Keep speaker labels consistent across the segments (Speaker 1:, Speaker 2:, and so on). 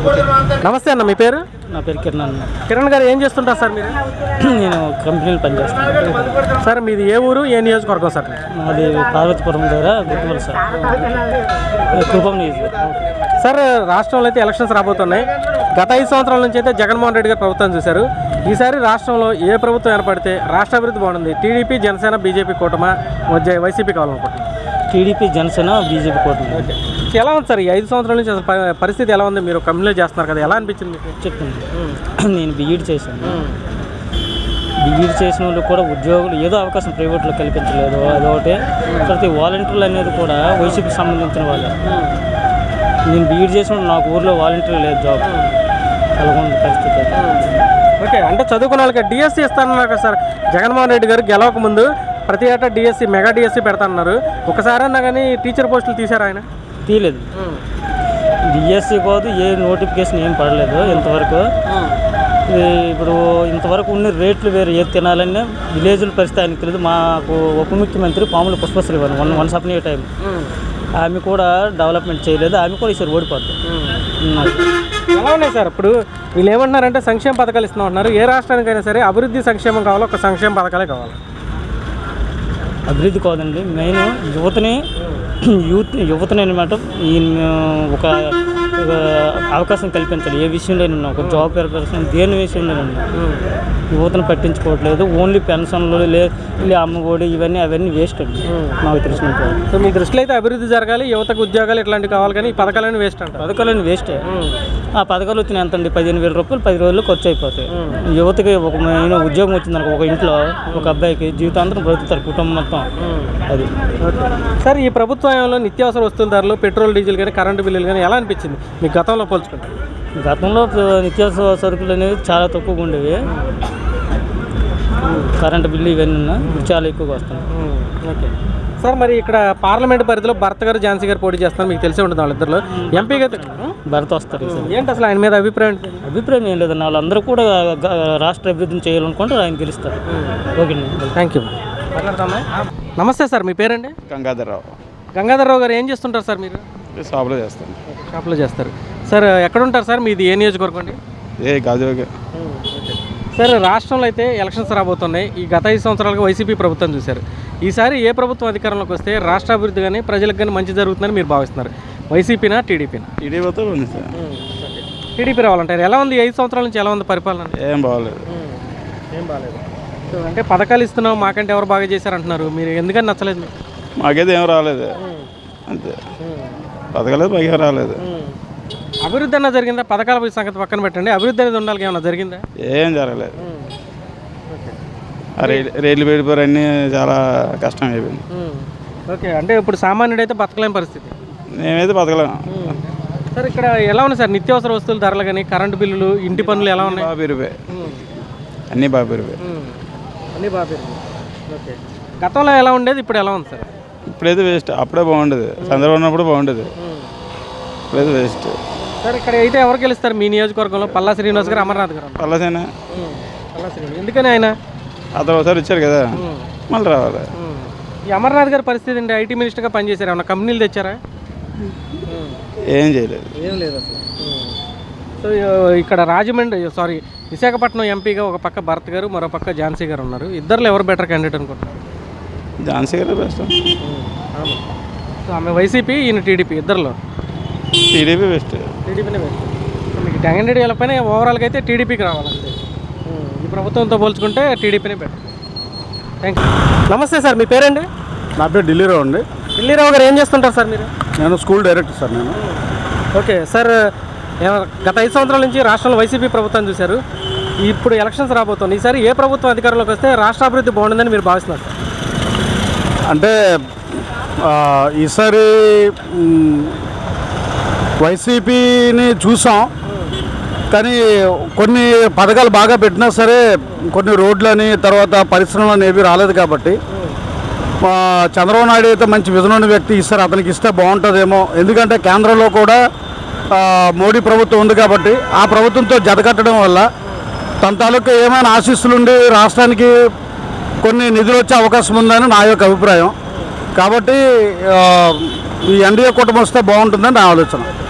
Speaker 1: నమస్తే అన్న, మీ పేరు?
Speaker 2: నా పేరు కిరణ్ అన్న.
Speaker 1: కిరణ్ గారు ఏం చేస్తుంటారు సార్ మీరు?
Speaker 2: నేను కంపెనీలో పనిచేస్తాను
Speaker 1: సార్. మీది ఏ ఊరు, ఏ నియోజకవర్గం సార్?
Speaker 2: మాది పార్వతీపురం దగ్గర గుర్తుపల్లి సార్, కుప్పం నియోజకవర్గం.
Speaker 1: సార్, రాష్ట్రంలో అయితే ఎలక్షన్స్ రాబోతున్నాయి. గత 5 సంవత్సరాల నుంచి అయితే జగన్మోహన్ రెడ్డి గారు ప్రభుత్వం చూశారు. ఈసారి రాష్ట్రంలో ఏ ప్రభుత్వం ఏర్పడితే రాష్ట్ర అభివృద్ధి బాగుంది? టీడీపీ, జనసేన, బీజేపీ కూటమా, వైసీపీ కావాలనుకుంటున్నాను?
Speaker 2: టీడీపీ, జనసేన, బీజేపీ కూటమి.
Speaker 1: ఎలా ఉంది సార్ ఈ 5 సంవత్సరాల నుంచి అసలు పరిస్థితి ఎలా ఉంది? మీరు కంపెనీలో చేస్తున్నారు కదా, ఎలా అనిపించింది?
Speaker 2: చెప్తాను. నేను బీఈడీ చేశాను. బీఈడీ చేసిన వాళ్ళకి కూడా ఉద్యోగులు ఏదో అవకాశం ప్రైవేట్లో కల్పించలేదు, అదొకటి. ప్రతి వాలంటీర్లు అనేది కూడా వైసీపీకి సంబంధించిన వాళ్ళే. నేను బీఈడీ చేసిన నాకు ఊర్లో వాలంటీర్ లేదు, జాబ్. అలాగే ఉంది పరిస్థితి.
Speaker 1: ఓకే, అంటే చదువుకున్న వాళ్ళకి డిఎస్సీ ఇస్తానన్నారు కదా సార్. జగన్మోహన్ రెడ్డి గారు గెలవక ముందు ప్రతి ఏటా డిఎస్సీ, మెగా డిఎస్సీ పెడతాన్నారు. ఒకసారి అన్నా కానీ టీచర్ పోస్టులు తీశారు ఆయన?
Speaker 2: తీయలేదు. డిఎస్సీ కాదు, ఏ నోటిఫికేషన్ ఏం పడలేదు ఇంతవరకు. ఇప్పుడు ఇంతవరకు ఉన్న రేట్లు వేరు, ఏది తినాలనే విలేజ్ల పరిస్థితి ఆయనకు తెలియదు. మాకు ఉప ముఖ్యమంత్రి Pamula Pushpasree once up time, ఆమె కూడా డెవలప్మెంట్ చేయలేదు. ఆమె కూడా ఈసారి ఓడిపోద్ది.
Speaker 1: ఎలా ఉన్నాయి సార్? ఇప్పుడు వీళ్ళు ఏమంటున్నారంటే సంక్షేమ పథకాలు ఇస్తున్నాం అంటున్నారు. ఏ రాష్ట్రానికైనా సరే అభివృద్ధి సంక్షేమం కావాలి, ఒక సంక్షేమ పథకాలే కావాలి.
Speaker 2: అభివృద్ధి కాదండి, మెయిన్ యువతని అనమాట. ఒక అవకాశం కల్పించాలి. ఏ విషయంలో ఉన్నా, ఒక జాబ్ ఏర్పరచడం, దేని విషయంలో ఉన్నా యువతను పట్టించుకోవట్లేదు. ఓన్లీ పెన్షన్లు, అమ్మఒడి, అవన్నీ వేస్ట్ అండి నాకు తెలిసినట్టు.
Speaker 1: సో మీ దృష్టిలో అయితే అభివృద్ధి జరగాలి, యువతకు ఉద్యోగాలు ఇట్లాంటివి కావాలి, కానీ ఈ పథకాలన్నీ వేస్ట్ అంట.
Speaker 2: పథకాలన్నీ వేస్టే. ఆ పథకాలు వచ్చిన ఎంత అండి? 15,000 రూపాయలు 10 రోజుల్లో ఖర్చు అయిపోతాయి. యువతకి ఒక ఉద్యోగం వచ్చిందనుకో, ఒక ఇంట్లో ఒక అబ్బాయికి జీవితాంతరం బ్రతుకుతారు కుటుంబం మొత్తం. అది
Speaker 1: సార్, ఈ ప్రభుత్వంలో నిత్యావసర వస్తువుల ధరలు, పెట్రోల్, డీజిల్ కానీ, కరెంటు బిల్లులు కానీ ఎలా అనిపించింది మీకు గతంలో పోల్చుకుంటే?
Speaker 2: గతంలో నిత్యావసర సరుకులు అనేవి చాలా తక్కువగా ఉండేవి. కరెంటు బిల్లు ఇవన్నీ చాలా ఎక్కువగా వస్తున్నాయి.
Speaker 1: ఓకే సార్, మరి ఇక్కడ పార్లమెంట్ పరిధిలో భర్త గారు, ఝాన్సీ గారు పోటీ చేస్తున్నారు. మీకు తెలిసే ఉంటుంది వాళ్ళిద్దరిలో. ఎంపీగా
Speaker 2: భర్త వస్తారు.
Speaker 1: ఏంటి అసలు ఆయన మీద అభిప్రాయం?
Speaker 2: అభిప్రాయం ఏం లేదన్న, వాళ్ళందరూ కూడా రాష్ట్ర అభివృద్ధిని చేయాలనుకుంటే ఆయన గెలుస్తారు. Okay,
Speaker 1: thank you. నమస్తే సార్, మీ పేరండి?
Speaker 3: గంగాధర్రావు.
Speaker 1: గంగాధర్రావు గారు ఏం చేస్తుంటారు సార్ మీరు?
Speaker 3: షాప్లో చేస్తాను.
Speaker 1: షాప్లో చేస్తారు సార్. ఎక్కడ ఉంటారు సార్? మీది ఏ నియోజకవర్గం అండి?
Speaker 3: గాజువాక.
Speaker 1: సార్, రాష్ట్రంలో అయితే ఎలక్షన్స్ రాబోతున్నాయి. ఈ గత 5 సంవత్సరాలుగా వైసీపీ ప్రభుత్వం చూశారు. ఈసారి ఏ ప్రభుత్వం అధికారంలోకి వస్తే రాష్ట్ర అభివృద్ధి కానీ, ప్రజలకు కానీ మంచి జరుగుతుందని మీరు భావిస్తున్నారు? వైసీపీనా, టీడీపీనా?
Speaker 3: టీడీపీతో ఉంది సార్.
Speaker 1: టీడీపీ రావాలంటారు. ఎలా ఉంది 5 సంవత్సరాల నుంచి? ఎలా ఉంది పరిపాలన?
Speaker 3: ఏం బాగోలేదు.
Speaker 1: ఏం బాగాలేదు. సో అంటే పథకాలు ఇస్తున్నాం, మాకంటే ఎవరు బాగా చేశారంటున్నారు. మీరు ఎందుకని నచ్చలేదు మీకు?
Speaker 3: మాకైతే ఏం రాలేదు, అంతే. పథకాలు మాకేం రాలేదు.
Speaker 1: అభివృద్ధి అన్న జరిగిందా? పథకాల సంగతి పక్కన పెట్టండి, అభివృద్ధి అనేది ఉండాలి. ఏమన్నా జరిగిందా?
Speaker 3: ఏం జరగలేదు. రైలు పెడిపోయారు, అన్నీ చాలా కష్టం అయిపోయింది.
Speaker 1: ఓకే, అంటే ఇప్పుడు సామాన్యుడు అయితే బతకలేని పరిస్థితి.
Speaker 3: మేమైతే బతకలేము
Speaker 1: సార్. ఇక్కడ ఎలా ఉన్నాయి సార్ నిత్యావసర వస్తువుల ధరలు కానీ, కరెంటు బిల్లులు, ఇంటి పనులు ఎలా ఉన్నాయి?
Speaker 3: బాగా పెరిగిపోయాయి, అన్నీ బాగా పెరిగిపోయాయి.
Speaker 1: అన్నీ బాగా పెరిగిపోయాయి. ఓకే, గతంలో ఎలా ఉండేది, ఇప్పుడు ఎలా ఉంది సార్?
Speaker 3: ఇప్పుడైతే వేస్ట్. అప్పుడే బాగుండేది, చంద్రబాబు ఉన్నప్పుడు బాగుండేది, ఇప్పుడైతే వేస్ట్.
Speaker 1: సార్, ఇక్కడ అయితే ఎవరు గెలుస్తారు మీ నియోజకవర్గంలో? పల్లా శ్రీనివాస్ గారు, అమర్నాథ్ గారు?
Speaker 3: పల్లా శ్రీనివాస్.
Speaker 1: ఎందుకని ఆయన?
Speaker 3: అతను ఒకసారి వచ్చారు కదా, మళ్ళీ రావాలి.
Speaker 1: ఈ అమర్నాథ్ గారి పరిస్థితి అంటే ఐటీ మినిస్టర్గా పనిచేశారు, ఏమన్నా కంపెనీలు తెచ్చారా?
Speaker 3: ఏం చేయలేదు.
Speaker 1: ఏం లేదు అసలు. సో ఇక్కడ విశాఖపట్నం ఎంపీగా ఒక పక్క భరత్ గారు, మరో పక్క ఝాన్సీ గారు ఉన్నారు. ఇద్దరులో ఎవరు బెటర్ క్యాండిడేట్ అనుకుంటున్నారు?
Speaker 3: ఝాన్సీ గారు బెస్ట్.
Speaker 1: సో ఆమె వైసీపీ, ఈయన టీడీపీ, ఇద్దరులో
Speaker 3: టీడీపీ బెస్ట్.
Speaker 1: టీడీపీనే బెస్ట్. సో మీకు క్యాండిడేట్ వెళ్ళకపోయినా ఓవరాల్గా అయితే టీడీపీకి రావాలంటే ఈ ప్రభుత్వంతో పోల్చుకుంటే టీడీపీనే బెటర్. Thank you. నమస్తే సార్, మీ పేరండి?
Speaker 4: నా పేరు ఢిల్లీరావు అండి.
Speaker 1: ఢిల్లీరావు గారు ఏం చేస్తుంటారు సార్ మీరు?
Speaker 4: నేను స్కూల్ డైరెక్టర్ సార్. నేను
Speaker 1: ఓకే సార్, గత 5 సంవత్సరాల నుంచి రాష్ట్రంలో వైసీపీ ప్రభుత్వం చూశారు. ఇప్పుడు ఎలక్షన్స్ రాబోతుంది. ఈసారి ఏ ప్రభుత్వం అధికారంలోకి వస్తే రాష్ట్ర అభివృద్ధి బాగుంటుందని మీరు భావిస్తున్నారు సార్?
Speaker 4: అంటే ఈసారి వైసీపీని చూసాం, కానీ కొన్ని పథకాలు బాగా పెట్టినా సరే కొన్ని రోడ్లని, తర్వాత పరిశ్రమలు ఏవి రాలేదు. కాబట్టి చంద్రబాబు నాయుడు అయితే మంచి విజన్ ఉన్న వ్యక్తి. ఈసారి అతనికి ఇస్తే బాగుంటుందేమో. ఎందుకంటే కేంద్రంలో కూడా మోడీ ప్రభుత్వం ఉంది కాబట్టి ఆ ప్రభుత్వంతో జతకట్టడం వల్ల తన తాలూకు ఏమైనా ఆశీస్సులుండి రాష్ట్రానికి కొన్ని నిధులు వచ్చే అవకాశం ఉందని నా యొక్క అభిప్రాయం. కాబట్టి ఈ ఎన్డీఏ కూటమి వస్తే బాగుంటుందని నా ఆలోచన.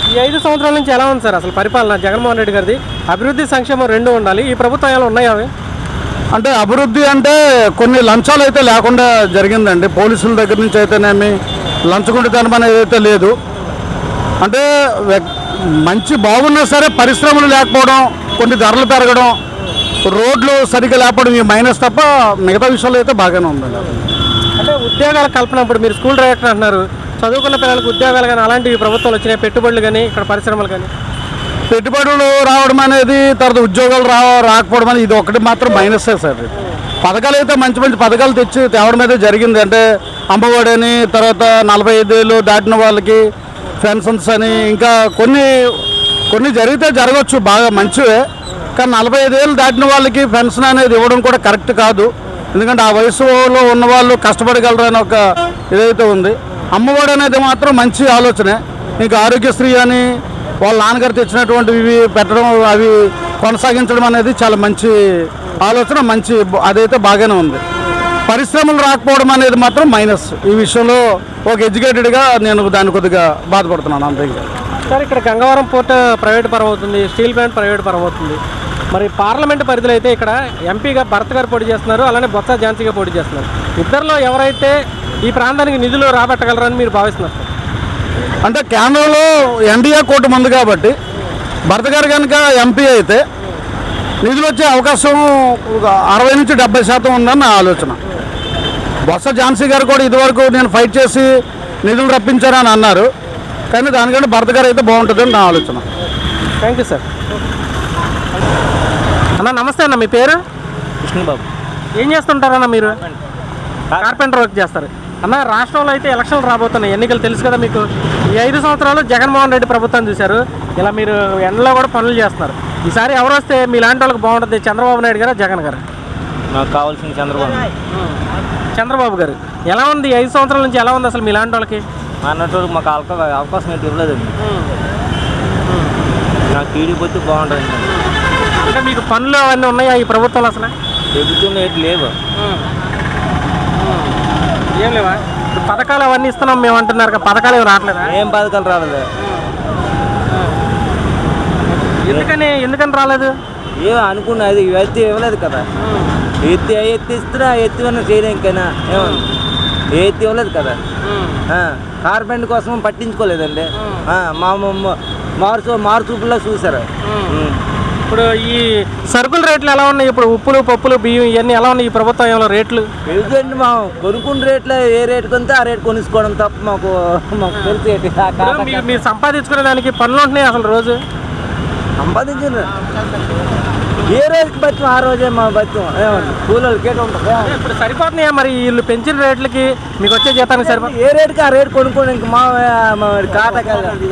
Speaker 1: ఈ 5 సంవత్సరాల నుంచి ఎలా ఉంది సార్ అసలు పరిపాలన జగన్మోహన్ రెడ్డి గారిది? అభివృద్ధి సంక్షేమం రెండు ఉండాలి, ఈ ప్రభుత్వం ఏమైనా ఉన్నాయా అవి?
Speaker 4: అంటే అభివృద్ధి అంటే కొన్ని లంచాలు అయితే లేకుండా జరిగిందండి. పోలీసుల దగ్గర నుంచి అయితేనేమి లంచగొండితనం అనేది అయితే లేదు. అంటే మంచి బాగున్నా సరే పరిశ్రమలు లేకపోవడం, కొన్ని ధరలు పెరగడం, రోడ్లు సరిగ్గా లేకపోవడం ఈ మైనస్ తప్ప మిగతా విషయాలు అయితే బాగానే ఉందండి.
Speaker 1: అంటే ఉద్యోగాల కల్పన, ఇప్పుడు మీరు స్కూల్ డైరెక్టర్ అంటున్నారు, చదువుకున్న పిల్లలకు ఉద్యోగాలు కానీ అలాంటివి ప్రభుత్వాలు వచ్చినాయి, పెట్టుబడులు కానీ ఇక్కడ పరిశ్రమలు కానీ?
Speaker 4: పెట్టుబడులు రావడం అనేది, తర్వాత ఉద్యోగాలు రాకపోవడం అనేది ఇది ఒకటి మాత్రం మైనస్సే సార్. పథకాలు అయితే మంచి మంచి పథకాలు తెచ్చి తేవడం అయితే జరిగింది. అంటే అమ్మఒడి అని, తర్వాత 45 ఏళ్ళు దాటిన వాళ్ళకి పెన్షన్స్ అని, ఇంకా కొన్ని జరిగితే జరగవచ్చు, బాగా మంచివే. కానీ 45 ఏళ్ళు దాటిన వాళ్ళకి పెన్షన్ అనేది ఇవ్వడం కూడా కరెక్ట్ కాదు. ఎందుకంటే ఆ వయసులో ఉన్న వాళ్ళు కష్టపడగలరు అని ఒక ఇదైతే ఉంది. అమ్మఒడి అనేది మాత్రం మంచి ఆలోచనే. ఇంకా ఆరోగ్యశ్రీ అని వాళ్ళ నాన్నగారు తెచ్చినటువంటివి పెట్టడం, అవి కొనసాగించడం అనేది చాలా మంచి ఆలోచన, మంచి అదైతే బాగానే ఉంది. పరిశ్రమలు రాకపోవడం అనేది మాత్రం మైనస్. ఈ విషయంలో ఒక ఎడ్యుకేటెడ్గా నేను దాన్ని కొద్దిగా బాధపడుతున్నాను అంతే.
Speaker 1: సార్ ఇక్కడ గంగవరం పోర్ట్ ప్రైవేట్ పరం అవుతుంది, స్టీల్ ప్లాంట్ ప్రైవేట్ పరం అవుతుంది. మరి పార్లమెంట్ పరిధిలో అయితే ఇక్కడ ఎంపీగా భరత్ గారు పోటీ చేస్తున్నారు, అలానే బొత్స ఝాన్సీగా పోటీ చేస్తున్నారు. ఇద్దరిలో ఎవరైతే ఈ ప్రాంతానికి నిధులు రాబట్టగలరని మీరు భావిస్తున్నారు?
Speaker 4: అంటే కేంద్రంలో ఎన్డీఏ కూటమి ఉంది కాబట్టి భరత్ గారు కనుక ఎంపీ అయితే నిధులు వచ్చే అవకాశం 60 నుంచి 70% ఉందని నా ఆలోచన. బొత్స ఝాన్సీ గారు కూడా ఇదివరకు నేను ఫైట్ చేసి నిధులు రప్పించారని అన్నారు, కానీ దానికంటే భరత్ గారు అయితే బాగుంటుందని నా ఆలోచన.
Speaker 1: Thank you sir. అన్న నమస్తే అన్న, మీ పేరు?
Speaker 2: కృష్ణబాబు.
Speaker 1: ఏం చేస్తుంటారన్న మీరు? కార్పెంటర్ వర్క్ చేస్తారు. అన్న రాష్ట్రంలో అయితే ఎలక్షన్లు రాబోతున్నాయి, ఎన్నికలు తెలుసు కదా మీకు. ఈ 5 సంవత్సరాలు జగన్మోహన్ రెడ్డి ప్రభుత్వం చూశారు, ఇలా మీరు ఎండలో కూడా పనులు చేస్తున్నారు. ఈసారి ఎవరు వస్తే మీ లాంటి వాళ్ళకి బాగుంటుంది, చంద్రబాబు నాయుడు గారా జగన్ గారు?
Speaker 2: నాకు కావాల్సిన
Speaker 1: చంద్రబాబు గారు. ఎలా ఉంది 5 సంవత్సరాల నుంచి, ఎలా ఉంది అసలు మీ లాంటి వాళ్ళకి?
Speaker 2: అన్నట్టు మాకు అవకాశం అయితే ఇవ్వలేదండి. నాకు టీడీపీ వచ్చి బాగుంటుంది.
Speaker 1: అంటే మీకు పనులు అవన్నీ ఉన్నాయా ఈ ప్రభుత్వంలో? అసలు
Speaker 2: ప్రభుత్వంలో ఏంటి లేవు.
Speaker 1: ఏం లేవా? ఇప్పుడు పథకాలు అవన్నీ ఇస్తున్నాం మేము అంటున్నారు కదా, పథకాలు ఏమి రావట్లేదా?
Speaker 2: ఏం పథకాలు రాలేదు.
Speaker 1: ఎందుకని రాలేదు?
Speaker 2: ఏమో అనుకున్నా, అది ఎత్తి ఇవ్వలేదు కదా. ఎత్తి ఇస్తున్నా, ఎత్తివన్నా చేయడానికైనా ఏమన్నా ఎత్తి ఇవ్వలేదు కదా. కార్పెంట్ కోసం పట్టించుకోలేదండి. మారుచూపుల్లో చూసారు.
Speaker 1: ఇప్పుడు ఈ సరుకుల రేట్లు ఎలా ఉన్నాయి? ఇప్పుడు ఉప్పులు, పప్పులు, బియ్యం ఇవన్నీ ఎలా ఉన్నాయి ఈ ప్రభుత్వం ఏమైనా రేట్లు?
Speaker 2: ఎందుకంటే మా కొనుక్కున్న రేట్లు ఏ రేటు కొంటే ఆ రేటు కొనుక్కోవడం తప్ప మాకు తెలిసి
Speaker 1: మీరు సంపాదించుకునే దానికి పనులు ఉంటున్నాయి అసలు రోజు
Speaker 2: సంపాదించిన ఏ రోజుకి బతుం ఆ రోజే మా బతుం. ఏమండి కూలీలు కేట ఉంటుంది.
Speaker 1: ఇప్పుడు సరిపోతున్నాయా మరి వీళ్ళు పెంచిన రేట్లకి మీకు వచ్చే జీతానికి సరిపోతుంది?
Speaker 2: ఏ రేటుకి ఆ రేటు కొనుక్కోండి. ఇంక మా కాటకాలు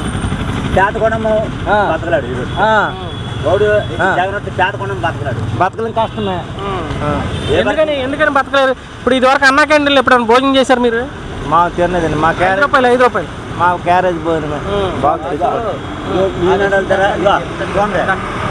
Speaker 2: బతకలేం కష్టమే.
Speaker 1: ఎందుకని బతకలేదు? ఇప్పుడు ఇదివరకు అన్నా క్యాంటీన్లు ఎప్పుడైనా భోజనం చేశారు మీరు?
Speaker 2: మా తిన్నదండి. మా క్యారేజ్
Speaker 1: ₹5
Speaker 2: మా క్యారేజ్ భోజనమే.